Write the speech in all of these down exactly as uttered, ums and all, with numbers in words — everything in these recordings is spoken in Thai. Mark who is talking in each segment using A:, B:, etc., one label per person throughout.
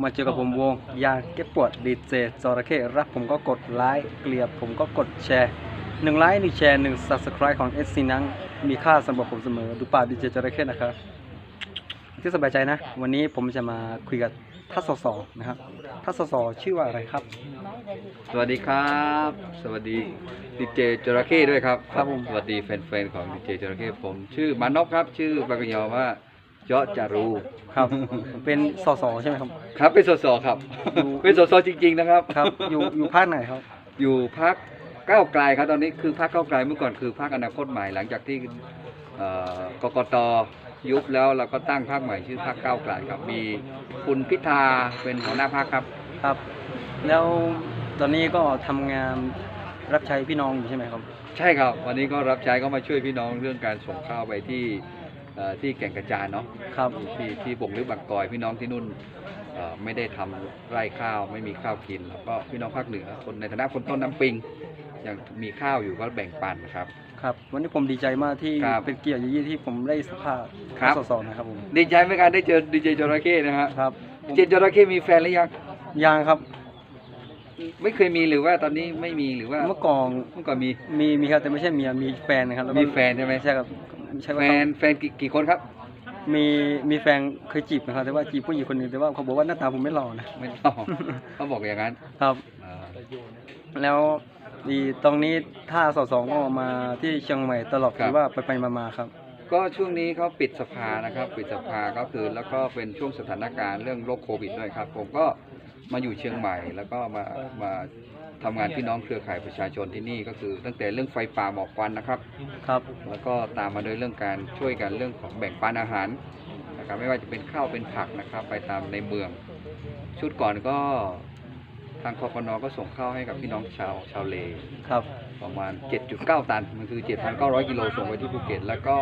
A: มาเจอกับผมวงยาเก็บปวดดีเจจระเข้รับผมก็กดไลค์เกลียดผมก็กดแชร์หนึ่งไลค์หนึ่งแชร์หนึ่ง Subscribe ของ เอส ซี นั้นมีค่าสำหรับผมเสมอดูป่าดีเจจระเข้นะครับที่สบายใจนะวันนี้ผมจะมาคุยกับท่านสสนะครับท่านสสชื่อว่าอะไรครับ
B: สวัสดีครับสวัสดีดีเจจระเข้ด้วยครับ
A: ครับผม
B: สวัสดีแฟนๆของดีเจจระเข้ผมชื่อมานพครับชื่อปากกยอว่าเจาะจารู
A: ครับเป็นสสใช่ไหมครับ
B: ครับเป็นสสครับเป็นสสจริงๆนะครับ
A: ครับอยู่อยู่ภาคไหนครับ
B: อยู่ภาคก้าวไกลครับตอนนี้คือภาคก้าวไกลเมื่อก่อนคือภาคอนาคตใหม่หลังจากที่กกต.ยุบแล้วเราก็ตั้งพรรคใหม่ชื่อพรรคก้าวไกลครับมีคุณพิธาเป็นหัวหน้าพรรคครับ
A: ครับแล้วตอนนี้ก็ทำงานรับใช้พี่น้องอยู่ใช่ไหมครับ
B: ใช่ครับวันนี้ก็รับใช้ก็มาช่วยพี่น้องเรื่องการส่งข้าวไปที่ที่แก่งกระจานเนาะ
A: ครับ
B: ที่ที่บ่งลึกบางกอยพี่น้องที่นู่นไม่ได้ทำไร่ข้าวไม่มีข้าวกินแล้วก็พี่น้องภาคเหนือคนในฐานะคนต้นน้ำปิงยังมีข้าวอยู่ก็แบ่งปันครับ
A: ครับวันนี้ผมดีใจมากที่เป็นเกียรติยิ่งที่ผมได้สัมภาษณ์สสนะครับผม
B: ดีใจไหมครับได้เจอดีเจจระเข้นะครับ
A: ครับ
B: ดีเจจระเข้มีแฟนหรือยัง
A: ยังครับ
B: ไม่เคยมีหรือว่าตอนนี้ไม่มีหรือว่า
A: เมื่อก่อน
B: เมื่อก่อนมี
A: มีมีครับแต่ไม่ใช่เมียมีแฟนนะครับ
B: มีแฟนใช่ไหม
A: ใช่ครับ
B: แฟนแฟนกี่คนครับ
A: มีมีแฟนเคยจีบนะครับแต่ว่าจีบผู้หญิงคนหนึ่งแต่ว่าเขาบอกว่าหน้าตาผมไม่หล่อนะ
B: ไม่หล่อเขาบอกอย่างนั้น
A: ครับแล้วดีตรงนี้ถ้าสสก็มาที่เชียงใหม่ตลอดหรือว่าไปไปมาๆครับ
B: ก็ช่วงนี้เขาปิดสภานะครับปิดสภาก็คือแล้วก็เป็นช่วงสถานการณ์เรื่องโรคโควิดด้วยครับผมก็มาอยู่เชียงใหม่แล้วก็มามาทำงานพี่น้องเครือข่ายประชาชนที่นี่ก็คือตั้งแต่เรื่องไฟป่าหมอกควันนะครับ
A: ครับ
B: แล้วก็ตามมาโดยเรื่องการช่วยกันเรื่องของแบ่งปันอาหารนะครับไม่ว่าจะเป็นข้าวเป็นผักนะครับไปตามในเมืองชุดก่อนก็ทางคปน.ก็ส่งข้าวให้กับพี่น้องชาวชาวเล
A: ครับ
B: ประมาณ เจ็ดจุดเก้า ตันมันคือ เจ็ดพันเก้าร้อย กิโลส่งไปที่ภูเก็ตแล้วก็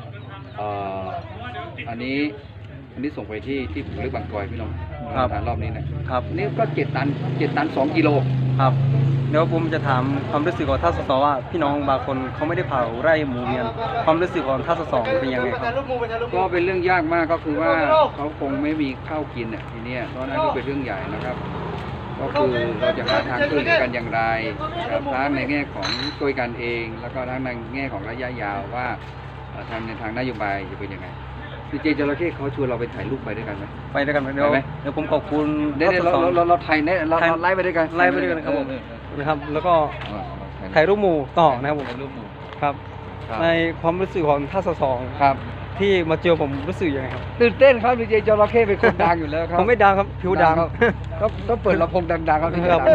B: อันนี้อันนี้ส่งไปที่ที่ผมเลือกบางกอยพี่น้องทานรอบนี้นะครับนี่ก็เจ็ดตันเจ็ดตันสองกิโล
A: ครับเดี๋ยวผมจะถามความรู้สึกของท่านสสว่าพี่น้องบางคนเขาไม่ได้เผาไร่หมูเวียนความรู้สึกของท่านสสเป็นยังไงครับ
B: ก็เป็นเรื่องยากมากก็คือว่าเขาคงไม่มีข้าวกินอ่ะทีนี้เพราะนั่นก็เป็นเรื่องใหญ่นะครับก็คือเราจะหาทางช่วยกันอย่างไรครับทั้งในแง่ของช่วยกันเองแล้วก็ทั้งในแง่ของระยะยาวว่าทางในทางนโยบายจะเป็นยังไงดีเจจระเข้เขาชวนเราไปถ่ายรูปไปด้วยกันไหม
A: ไปด้วยกันไหมเดี๋ยวเดี๋ยวผมขอบคุณ
B: เดี๋ยวเราเราเราถ่ายเนี่ยเราไล่ไปด้วยกัน
A: ไล่ไปด้วยกันครับผมนะครับแล้วก็ถ่ายรูปหมู่ต่อนะครับผม
B: ถ่ายรูปหมู่
A: ครับในความรู้สึกของท่านสส
B: ครับ
A: ที่มาเจอผมรู้สึกยังไงครับ
B: ตื่นเต้นครับดีเจจระเข้เป็นคนดังอยู่แล้วครับ
A: ผมไม่ดังครับผิวดัง
B: ต้องต้องเปิดลำโพงดังๆครับ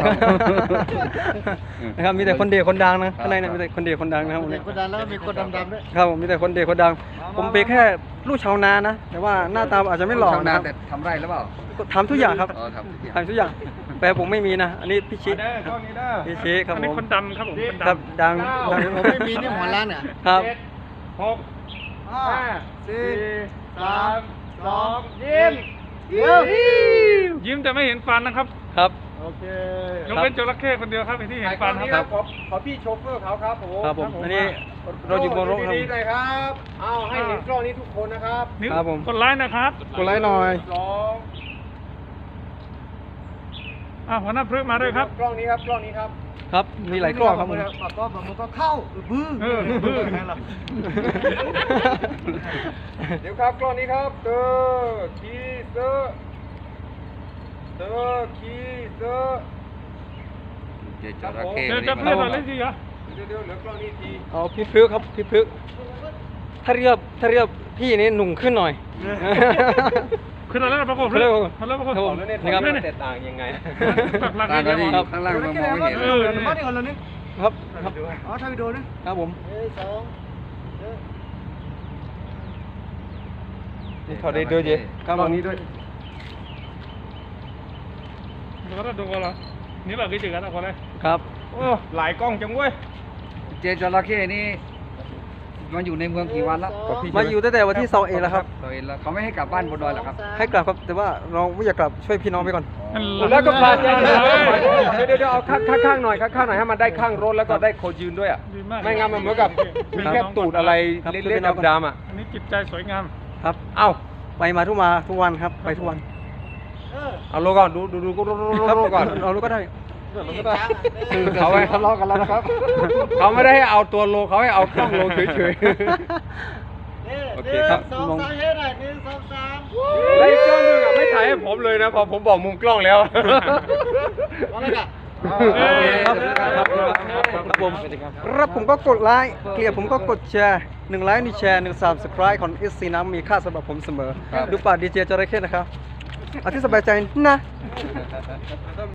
A: นะครับมีแต่คนเดียวคนดังนะข้างในเนี่ยมีแต่คนเดียวคนดังนะครับ
C: คนดังแล้วก็มีคนดำๆด้วย
A: ครับผมมีแต่คนเดียวคนดังผมเป็นแค่ลูกชาวนานะแต่ว่าหน้าตาอาจจะไม่หล่อ
B: นะครับแต่ทำไร่หรือเปล่า
A: ทำทุกอย่างครับทำทุกอย่างแต่ผมไม่มีนะอันนี้พี่ชิพี่ชิครับผมอันนี้
D: คนดำครับผม
A: ครับดัง
C: ผมไม่มีนี่หัวล้านอ่ะ
A: ครับ
D: หกห้า
C: สี่
D: สามสองยิ้มยิ้มแต่ไม่เห็นฟันนะครับ
A: ครับ
C: โอเค
D: ยกเป็นจระเข้คนเดียวครับที่เห็นฟัน
C: ครับขอขอพี่โชเฟอร์เขาครับผม
A: ครับผมอันนี้เราอยู่บนรถครับ
C: ดีๆหน่อยครับเอาให้เห็นกล้องนี้ทุกคนนะครับ
A: ครับผม
D: กดไลค์นะครับ
A: กดไลค์หน่อย
C: สอง
D: อ่าหัวหน้าพฤกษ์มาด้วยครับ
C: กล้องนี้ครับกล้องนี้ครับ
A: ครับมีหลายกล้องครับผม
C: ก็มันก็เข้าบื้อ
D: บื้อ
C: เดี๋ยวครับกล้องนี้ครับเตอร์คีเซอร์เตอร์คีเซอร์
B: เจจระเข้
D: เดี๋ยวจะเพื่อนอะไรสิครับ
C: เดี๋ยวเดี๋ยวเหลือกล้องนี้ที
A: เอาพี่พฤกษ์ครับพี่พฤกษ์ถ้าเรียบถ้าเรียบพี่นี่หนุ่มขึ้นหน่อย
D: ขึ้นแล้วประกบ
A: ขึ้นแล้ว
C: ประกบ
A: นะครับ
C: แตกต่างยังไง
B: ต่างกันที่ข้างล่างมองไม่เห็น
C: เออมาที่ก่อนเลยนี่
A: ครับครับ
C: อ๋อถ่ายวิดีโอนะครับ
A: ผม
C: สอง
A: นี่เขาได้ด้วยเจ๊
C: ครับตรงนี้ด้วย
D: ดูกันดูกันเหรอนี่แบบกี่จุดกันเอาคนเลย
A: ครับ
C: โอ้หลายกล้องจังเว้ย
B: เจจระเข้นี่มาอยู่ในเมืองกี่วันแล้ว
A: มาอยู่ตั้งแต่วันที่สองเองแล้วครับ
B: สองเองแล้วเขาไม่ให้กลับบ้านบนดอยหรอครับ
A: ให้กลับครับแต่ว่าเราไม่อยากกลับช่วยพี่น้องไปก่อน
C: แล้วก็พาเดี๋ยวเดี๋ยวเอาข้างข้างหน่อยข้างหน่อยให้มันได้ข้างรถแล้วก็ได้โคยืนด้วยอ่ะไม่งั้นมันเหมือนกับมีแค่ตูดอะไรเล่นๆดำๆอ่ะ
D: อันนี้จิตใจสวยงาม
A: ครับเอ้าไปมาทุกมาทุกวันครับไปทุกวัน
C: เอาโลก่อนดูดูดูดูดู
A: ครับ
C: ดูก่อน
A: เอาลูกก็ได้
C: คือเขาไม่
B: ทะเลาะกันแล้วนะครับ
C: เขาไม่ได้ให้เอาตัวโลเขาให้เอากล้องโลเฉย
A: โอเคครับ
E: สอง
A: มอง
E: สามเฮ็ดหน่อยหนึ่งสองสาม
C: ๆแล้วอีกกล้องหนึงอ่ะไม่ถ่ายให้ผมเลยนะพอผมบอกมุมกล้องแล้ว
E: เอาเลยกัน
A: โอเคครับครับครับผมรับผมก็กดไลค์เกลียดผมก็กดแชร์หนึ่งไลค์หนึ่งแชร์หนึ่ง subscribe ของ เอส ซี น้ำมีค่าสำหรับผมเสมอ
B: ครับ
A: ดูป่าดีเจจระเข้นะครับเอาที่สบายใจนะ